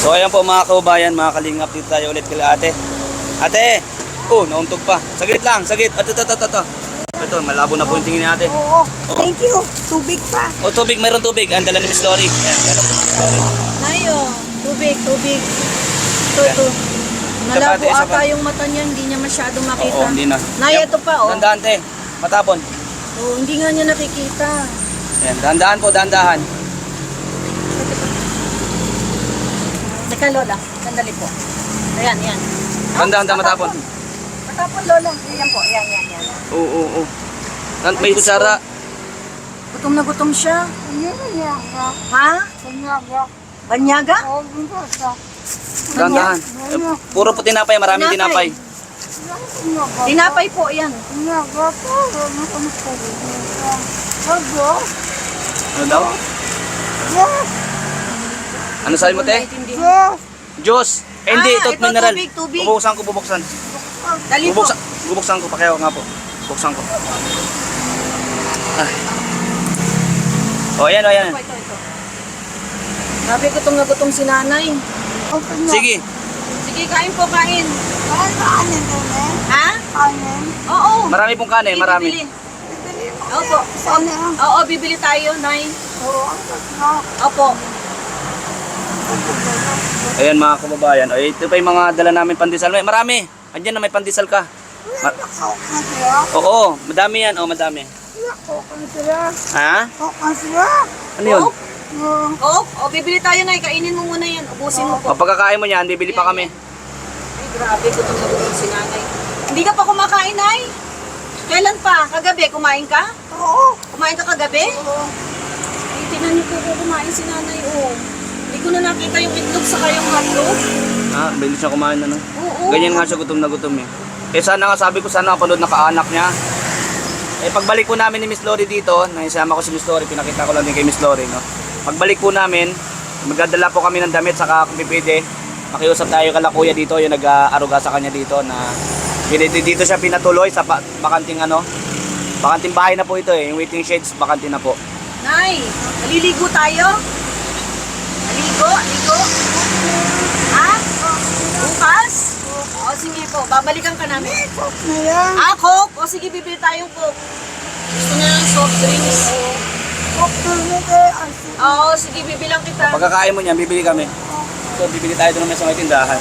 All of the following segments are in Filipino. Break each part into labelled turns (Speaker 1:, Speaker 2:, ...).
Speaker 1: So ayan po mga kababayan, mga kalingap, dito tayo ulit kay ate. Ate! Oh, nauntog pa. Saglit lang, saglit. Ito, malabo na po yung tingin ni ate.
Speaker 2: Oo. Thank you. Tubig pa.
Speaker 1: Oh, tubig, mayroon tubig. Ang dala ni Miss Lori. Ayan, meron po si Miss Lori.
Speaker 2: Nayo. Tubig. Ito. Malabo
Speaker 1: Isa pa.
Speaker 2: ata yung mata niya. Hindi niya masyadong makita.
Speaker 1: Oo, hindi na.
Speaker 2: Nay, ito pa, oh.
Speaker 1: Dandahan, te. Matapon.
Speaker 2: Oh, hindi nga niya nakikita.
Speaker 1: Ayan, dandahan po, dandahan.
Speaker 2: Teka, Lola. Sandali po. Ayan.
Speaker 1: Dandahan, matapon.
Speaker 2: Matapon, Lola. Ayan po. Ayan.
Speaker 1: Oo. May kutsara.
Speaker 2: Gutom na gutom siya. Ha? Banyaga?
Speaker 1: Dandahan. Puro po tinapay, maraming tinapay.
Speaker 2: Tinapay po, yan.
Speaker 1: Ano daw? Ano sabi mo, te? Diyos. Hindi, ito
Speaker 2: ito,
Speaker 1: mineral.
Speaker 2: tubig.
Speaker 1: Bubuksan.
Speaker 2: Dali po.
Speaker 1: Bubuksan ko, pakihawa nga po. Buksan ko. Ay. Ayan.
Speaker 2: Ito. Sabi, gutom na gutom si nanay.
Speaker 1: Sige.
Speaker 2: Sige, kain po, kain. Ha? Oo.
Speaker 1: Marami pong kanin, marami.
Speaker 2: Bibili. Opo. Oo, bibili tayo, nay. Opo.
Speaker 1: Ayan mga kababayan. Ay, ito pa yung mga dala namin pandesal. Marami. Andiyan na may pandesal ka. Oo, madami yan. Oo, madami. Ha? Ano yun?
Speaker 2: Oo, bibili tayo, nay. Kainin mo muna yan. Ubusin mo po.
Speaker 1: O, pagkakain mo niyan, bibili pa kami.
Speaker 2: Ay, grabe, gutom na gutom si nanay. Hindi ka pa kumakain, nay? Kailan pa? Kagabi, kumain ka? Oo. Kumain ka kagabi? Oo. Ay, tinan niyo po kumain si nanay, oh. Hindi ko na nakita yung itlog sa kayong hotdog.
Speaker 1: Ah, bilis siya kumain na, no?
Speaker 2: Oo.
Speaker 1: Ganyan nga siya, gutom na gutom eh. Eh sana nga sabi ko, sana kapanood na kaanak niya. Eh pagbalik po namin ni Miss Lori dito, naisama ko si Miss Lori, pinakita ko lang din kay Miss Lori, no? Pagbalik po namin, magdadala po kami ng damit, saka kung pipili, makiusap tayo kala kuya dito, yung nag-aaruga sa kanya dito, na dito siya pinatuloy sa bakanting bakanting bahay na po ito eh, yung waiting sheds, bakanting na po.
Speaker 2: Nay, naliligo tayo? Ligo? Ha? Bukas? O sige po, babalikan ka namin. Coke? O sige, bibili tayong Coke. Gusto niya ng soft drinks. Oo, sige, bibilang kita.
Speaker 1: Pagkakain mo niyan, bibili kami. So, bibili tayo doon naman sa may tindahan.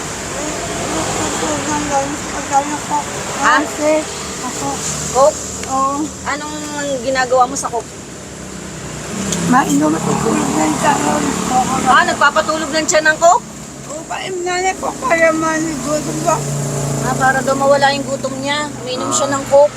Speaker 2: Ha? Coke? Anong ginagawa mo sa Coke?
Speaker 3: Mainom at itulog ng karon.
Speaker 2: Nagpapatulog ng tiyan ng Coke?
Speaker 3: Paimnanay ko para manigutom ba?
Speaker 2: Para daw mawala yung gutom niya. Uminom siya ng Coke.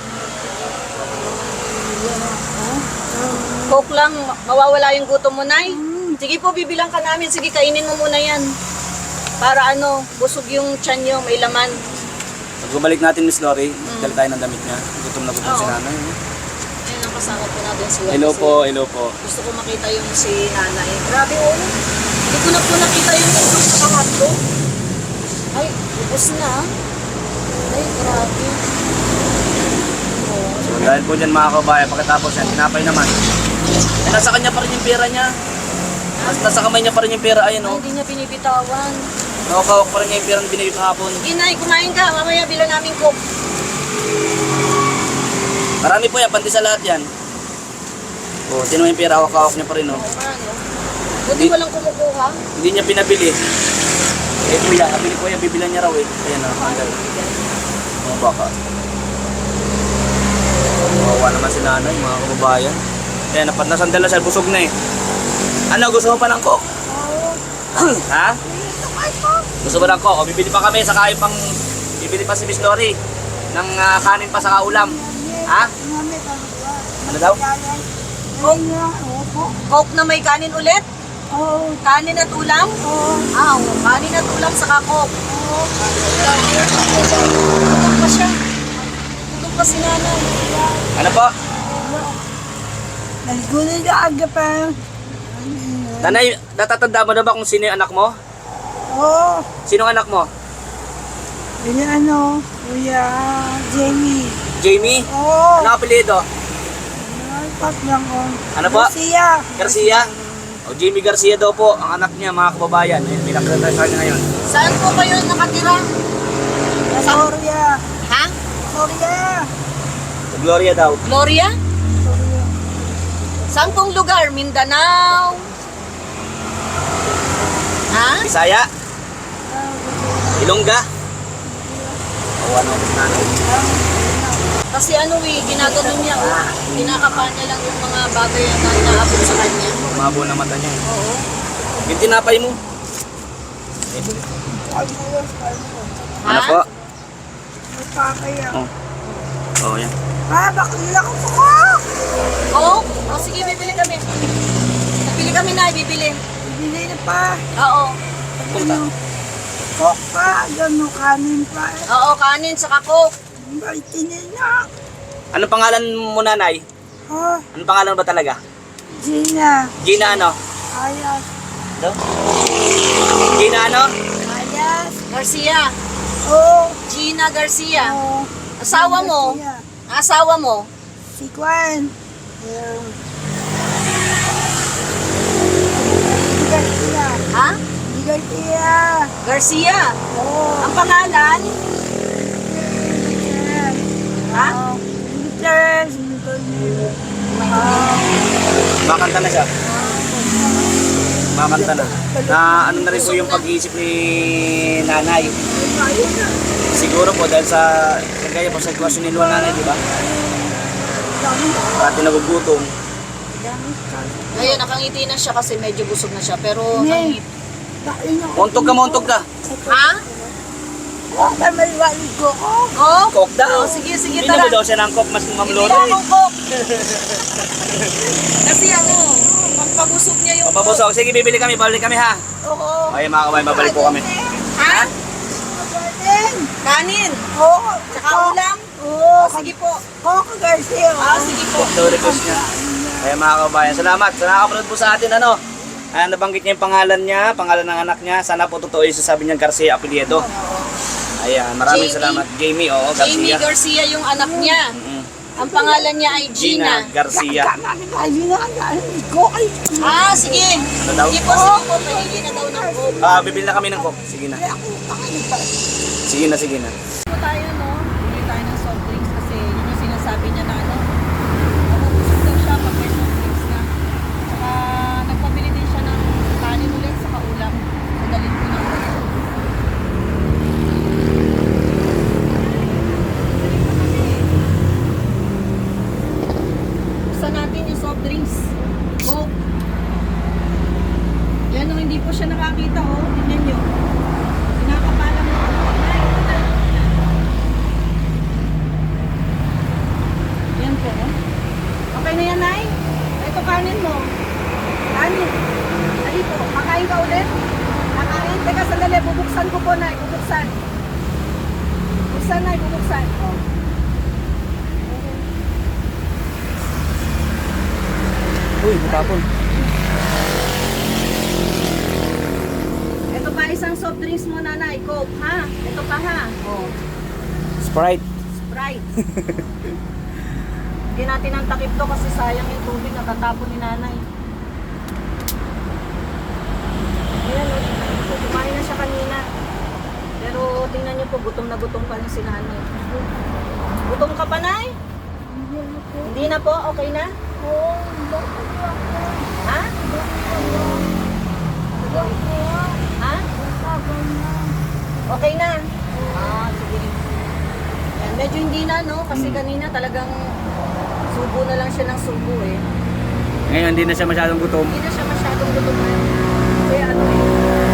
Speaker 2: Coke lang, mawawala yung gutom mo, Nay. Sige po, bibilang ka namin. Sige, kainin mo muna yan. Para busog yung tiyan niyo, may laman.
Speaker 1: Pagbalik natin, Miss Lori, dala tayo ng damit niya. Gutom na gutom si
Speaker 2: Oo.
Speaker 1: nanay.
Speaker 2: Ayun ang kasama po natin si Juan.
Speaker 1: Hello
Speaker 2: Kasi
Speaker 1: po.
Speaker 2: Gusto ko makita yung si nanay. Grabe, oh. Hindi ko na po nakita yung itlog sa hotdog. Ay, ubos na. Ay, grabe. Oh.
Speaker 1: So, dahil po dyan mga kabayan, pagkatapos yan, tinapay naman. Eh, nasa kanya pa rin yung pera niya. Nasa kamay niya pa rin yung pera, ayun
Speaker 2: Ay,
Speaker 1: o.
Speaker 2: hindi niya binibitawan.
Speaker 1: Nakakawak pa rin niya yung pera na binigay kahapon.
Speaker 2: Sige, Nay, kumain ka. Mamaya bilang namin Coke.
Speaker 1: Marami po yan, pandi sa lahat yan. O, sino yung pera, hawak-hawak niya pa rin o.
Speaker 2: Buti walang kumukuha.
Speaker 1: Hindi niya pinabili. Eh kuya, abili kuya, bibilan niya raw eh. Ayan o, hanggang. O, baka. Kawawa naman si nanay, mga kababayan. Ayan, nasandal na siya, busog na eh. Ano, gusto mo pa ng Coke? Ha? Gusto mo ng Coke? O, bibili pa kami, saka yung bibili pa si Miss Lori ng kanin pa sa ulam. Ha? Ano daw?
Speaker 2: Coke na may kanin ulit? Kanin at ulam? Kanin at ulam saka Coke. Gutom pa siya. Gutom pa si nanay.
Speaker 1: Ano po?
Speaker 3: Naligunan ka aga pa.
Speaker 1: Nanay, natatanda mo na ba kung sino yung anak mo?
Speaker 3: Oo.
Speaker 1: Sino ang anak mo?
Speaker 3: Kuya Kuya Jamie.
Speaker 1: Jamie?
Speaker 3: Oo.
Speaker 1: Ano ang apelyido?
Speaker 3: Pat lang ko.
Speaker 1: Ano po?
Speaker 3: Garcia.
Speaker 1: Garcia? O O, Jamie Garcia daw po, ang anak niya, mga kababayan. Ayun, pinakita sa kanya ngayon.
Speaker 2: Saan po kayo nakatira?
Speaker 3: Gloria.
Speaker 2: Ha?
Speaker 3: Gloria.
Speaker 1: Sa Gloria daw.
Speaker 2: Gloria? Saan pong lugar? Mindanao? Ha?
Speaker 1: Bisaya? Ilongga? O, ano, nanay.
Speaker 2: Kasi ano ginagano niya, kinakapa niya lang yung mga bagay na naabot sa kanya.
Speaker 1: Mabo na mata niya.
Speaker 2: Oo.
Speaker 1: Yung tinapay mo.
Speaker 2: Ha?
Speaker 1: Ano po?
Speaker 3: Magpapaya.
Speaker 1: Oh. Oh, yan.
Speaker 3: Bakit ako po?
Speaker 2: Oo? O sige, bibili kami. Bibili kami na, bibili.
Speaker 3: Bibili na pa.
Speaker 2: Oo.
Speaker 1: Punta.
Speaker 3: Coke pa. Gano'n kanin pa.
Speaker 2: Oo, kanin sa coke.
Speaker 3: Baitinin na.
Speaker 1: Anong pangalan mo, nanay?
Speaker 3: Ha?
Speaker 1: Anong pangalan ba talaga?
Speaker 3: Gina.
Speaker 1: Gina ano?
Speaker 3: Ayas.
Speaker 1: No? Gina ano?
Speaker 3: Ayas.
Speaker 2: Garcia.
Speaker 3: Oo.
Speaker 2: Gina Garcia.
Speaker 3: Oo.
Speaker 2: Asawa mo? Asawa mo?
Speaker 3: Si Gwen. Yeah. Di Garcia.
Speaker 2: Ha?
Speaker 3: Di Garcia.
Speaker 2: Garcia.
Speaker 3: Oo.
Speaker 2: Ang pangalan? Ha?
Speaker 3: Yes.
Speaker 1: Makanta na siya. Makanta na. Na ano na rin po yung pag-iisip ni nanay. Siguro po dahil sa kagaya po sa sitwasyon ni Luan nanay, di ba? Pati nagugutom.
Speaker 2: Ngayon, nakangiti na siya kasi medyo busog na siya. Pero, nakangiti.
Speaker 1: Montog ka.
Speaker 2: Ha?
Speaker 3: Ay, may walid ko.
Speaker 2: Coke?
Speaker 1: Coke daw.
Speaker 2: Sige, sige,
Speaker 1: Hindi
Speaker 2: tara.
Speaker 1: mo daw siya ng coke, mas
Speaker 2: Bibili
Speaker 1: mamlolo.
Speaker 2: akong Coke. Kasi ano, magpabusog niya yung Coke.
Speaker 1: Papabusok. Sige, bibili kami. Babalik kami ha.
Speaker 3: Oo.
Speaker 1: Okay mga kabayan, babalik po kami.
Speaker 2: Ha?
Speaker 3: Galing.
Speaker 2: Kanin?
Speaker 3: Oo.
Speaker 2: Tsaka ulam?
Speaker 3: Oo.
Speaker 2: Sige po.
Speaker 3: Coke Garcia.
Speaker 2: Sige po.
Speaker 1: Ito request niya. Kaya mga kabayan, salamat. Sa nakapanood po sa atin, ano. Nabanggit niya yung pangalan niya, pangalan ng anak niya. Sana po totoo yung sasabi niya Garcia Apelyedo. Ayan, maraming
Speaker 2: Jamie.
Speaker 1: salamat. Jamie, oo, Garcia.
Speaker 2: Jamie Garcia yung anak niya.
Speaker 1: Mm-mm.
Speaker 2: Ang pangalan niya ay
Speaker 1: Gina
Speaker 2: Gina.
Speaker 1: Garcia.
Speaker 2: Sige.
Speaker 1: Ano daw?
Speaker 2: Sige po, sige po. Pahili na daw ng Coke.
Speaker 1: Bibili na kami ng coke. Sige na. Sige na, sige na.
Speaker 2: Po tayo, no? Bili tayo ng soft drinks kasi yun yung sinasabi niya na ano. Mabubusog daw siya pag may soft drinks na. Tsaka nagpabili din siya ng kanin ulit sa kaulam. Madalin ko na. Buksan natin yung soft drinks. Coke. Yan, no, hindi po siya nakakita, oh. Tingnan nyo. Kinakapalang mo. Yan po. Okay na yan, Nay? Ito kanin mo. Kanin. Dali po. Kakain ka ulit? Kakain? Teka, sandali. Bubuksan ko po, Nay. Bubuksan. Bubuksan, Nay. Bubuksan. Oh.
Speaker 1: Uy, matapon.
Speaker 2: Ito pa isang soft drinks mo, Nanay. Coke, ha? Ito pa, ha? Oh.
Speaker 1: Sprite.
Speaker 2: Sprite. Hindi natin ang takip to kasi sayang yung tubig na tatapon ni Nanay. Ayan, kumain na siya kanina. Pero tingnan niyo po, gutom na gutom pa rin si Nanay. Gutom ka pa, Nay? Hindi na po? Okay na? Ha? Ha? Okay na? Sige. Yan, medyo hindi na, no? Kasi kanina talagang subo na lang siya ng subo, eh.
Speaker 1: Ngayon, hindi na siya masyadong gutom.
Speaker 2: Hindi na siya masyadong gutom na. Kaya ano eh.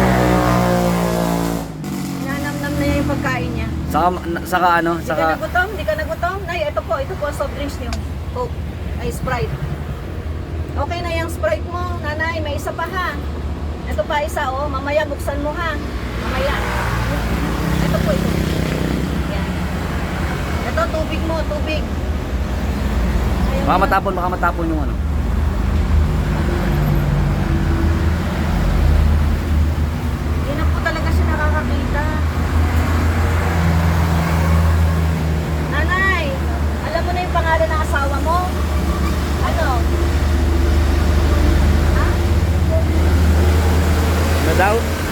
Speaker 2: Nanamnam na niya yung pagkain niya.
Speaker 1: Saka ano,
Speaker 2: Hindi ka nagutom? Hindi ka nagutom? Nay, ito po ang soft drinks niyo. Coke. Ay, Sprite. Okay na yung Sprite mo, Nanay. May isa pa, ha? Ito pa isa, oh. Mamaya buksan mo, ha? Mamaya. Ito po, ito. Yan. Ito, tubig mo, tubig. Ayaw
Speaker 1: Baka
Speaker 2: mo.
Speaker 1: matapon yung ano.
Speaker 2: Hindi na po talaga siya nakakakita. Nanay, alam mo na yung pangalan ng asawa mo? Ano? Ha?
Speaker 1: daw.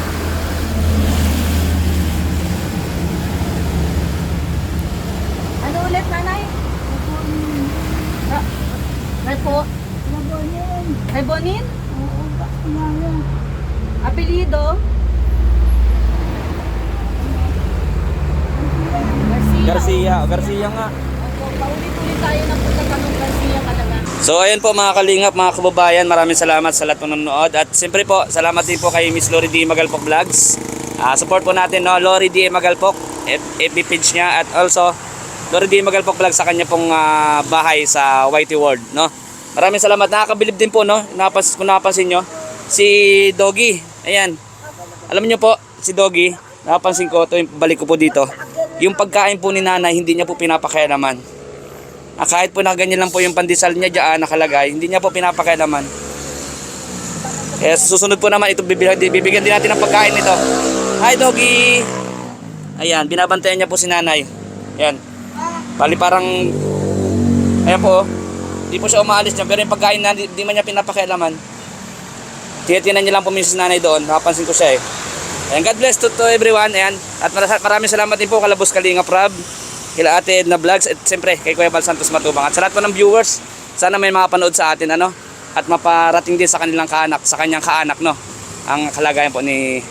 Speaker 2: Ano ulit, nanay? May po?
Speaker 3: Nabonin.
Speaker 2: May Bonin?
Speaker 3: Oo, bakilala.
Speaker 2: Apelido?
Speaker 1: Garcia nga.
Speaker 2: Opo, paulit-ulit tayo ng pagtatanong Garcia talaga.
Speaker 1: So ayun po mga kalingap, mga kababayan, maraming salamat sa lahat ng nanonood. At siyempre po, salamat din po kay Miss Lori D. Magalpok Vlogs. Support po natin, no, Lori D. Magalpok, FB page niya. At also, Lori D. Magalpok Vlogs sa kanya pong bahay sa Whitey World, no. Maraming salamat. Nakakabilib din po, no. Kung napansin nyo, si Doggy. Ayan. Alam niyo po, si Doggy, napansin ko, ito yung balik ko po dito. Yung pagkain po ni nanay, hindi niya po pinapakialaman. Kahit po na ganyan lang po yung pandesal niya dyan nakalagay, hindi niya po pinapakialaman. Kaya susunod po naman, ito bibigyan din natin ng pagkain nito. Hi Doggy! Ayan, binabantayan niya po si nanay. Ayan. Bali parang, ayan po, hindi po siya umaalis niya, pero yung pagkain na hindi man niya pinapakialaman. Tiyatinan niya lang po minsan si nanay doon, nakapansin ko siya eh. Ayan, God bless to everyone. Ayan. At maraming salamat din po kala Boss Kalingap Rob, kila Ate Edna Vlogs, at siyempre kay Kuya Val Santos Matubang. At sa lahat po ng viewers, sana may makapanood sa atin, ano, at maparating din sa kanilang kaanak, sa kanyang kaanak, no, ang kalagayan po ni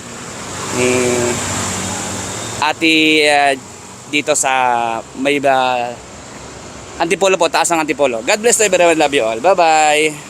Speaker 1: Ate dito sa may Antipolo po, taas ng Antipolo. God bless to everyone. Love you all. Bye-bye.